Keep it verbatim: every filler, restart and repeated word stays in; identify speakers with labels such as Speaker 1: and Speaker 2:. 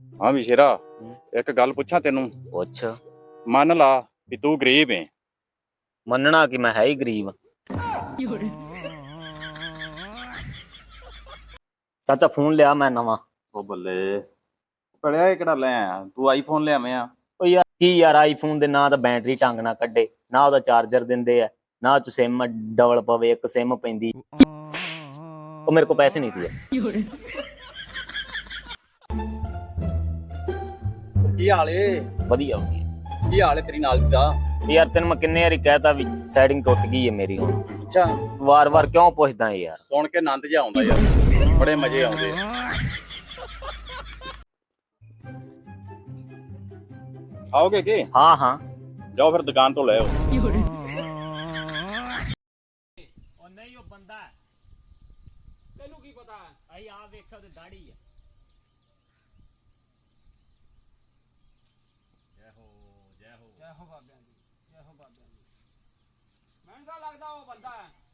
Speaker 1: ਹਾਂ ਵੀ ਸ਼ੇਰਾ, ਇੱਕ ਗੱਲ ਪੁੱਛਾਂ ਤੈਨੂੰ।
Speaker 2: ਪੁੱਛ।
Speaker 1: ਮੰਨ ਲਾ ਵੀ ਤੂੰ ਗਰੀਬ ਏ।
Speaker 2: ਮੰਨਣਾ ਕਿ ਮੈਂ ਹੈ ਹੀ ਗਰੀਬ। ਚਾਚਾ ਫੋਨ ਲਿਆ ਮੈਂ ਨਵਾਂ।
Speaker 1: ਉਹ ਬੱਲੇ, ਪੜਿਆ ਇਹ ਕਿਹੜਾ ਲੈ ਆਇਆ ਤੂੰ? ਆਈਫੋਨ ਲਿਆਵੇਂ ਆ।
Speaker 2: ਉਹ ਯਾਰ ਕੀ ਯਾਰ, ਆਈਫੋਨ ਦੇ ਨਾ ਤਾਂ ਬੈਟਰੀ ਢੰਗ ਨਾਲ ਕੱਢੇ, ਨਾ ਉਹਦਾ ਚਾਰਜਰ ਦਿੰਦੇ ਆ, ਨਾ ਚ ਸਿਮ ਡਬਲ ਪਵੇ, ਇੱਕ ਸਿਮ ਪੈਂਦੀ। ਉਹ ਮੇਰੇ ਕੋਲ ਪੈਸੇ ਨਹੀਂ ਸੀ।
Speaker 1: ਕੀ ਹਾਲ ਏ?
Speaker 2: ਵਧੀਆ ਵਧੀਆ।
Speaker 1: ਕੀ ਹਾਲ ਏ ਤੇਰੀ ਨਾਲ ਦਾ?
Speaker 2: ਯਾਰ ਤੈਨੂੰ ਮੈਂ ਕਿੰਨੇ ਵਾਰੀ ਕਹਿਤਾ ਵੀ ਸੈਟਿੰਗ ਟੁੱਟ ਗਈ ਹੈ ਮੇਰੀ ਹੁਣ।
Speaker 1: ਅੱਛਾ,
Speaker 2: ਵਾਰ ਵਾਰ ਕਿਉਂ ਪੁੱਛਦਾ ਯਾਰ?
Speaker 1: ਸੁਣ ਕੇ ਆਨੰਦ ਜਿਹਾ ਆਉਂਦਾ ਯਾਰ, ਬੜੇ ਮਜ਼ੇ ਆਉਂਦੇ। ਆਓਗੇ ਕੀ?
Speaker 2: ਹਾਂ ਹਾਂ,
Speaker 1: ਜਾਓ ਫਿਰ ਦੁਕਾਨ ਤੋਂ ਲੈ ਆਓ।
Speaker 2: ਉਹ ਨਹੀਂ, ਉਹ ਬੰਦਾ ਤੈਨੂੰ ਕੀ ਪਤਾ? ਅਈ ਆ ਵੇਖਿਆ ਤੇ ਦਾੜੀ ਹੈ। ਜੈ ਹੋ ਜੈ ਹੋ ਜੈ ਹੋ ਬਾਬਿਆਂ ਦੀ, ਜੈ ਹੋ ਬਾਬਿਆਂ ਦੀ। ਮੈਨੂੰ ਤਾਂ ਲੱਗਦਾ ਉਹ ਬੰਦਾ ਹੈ।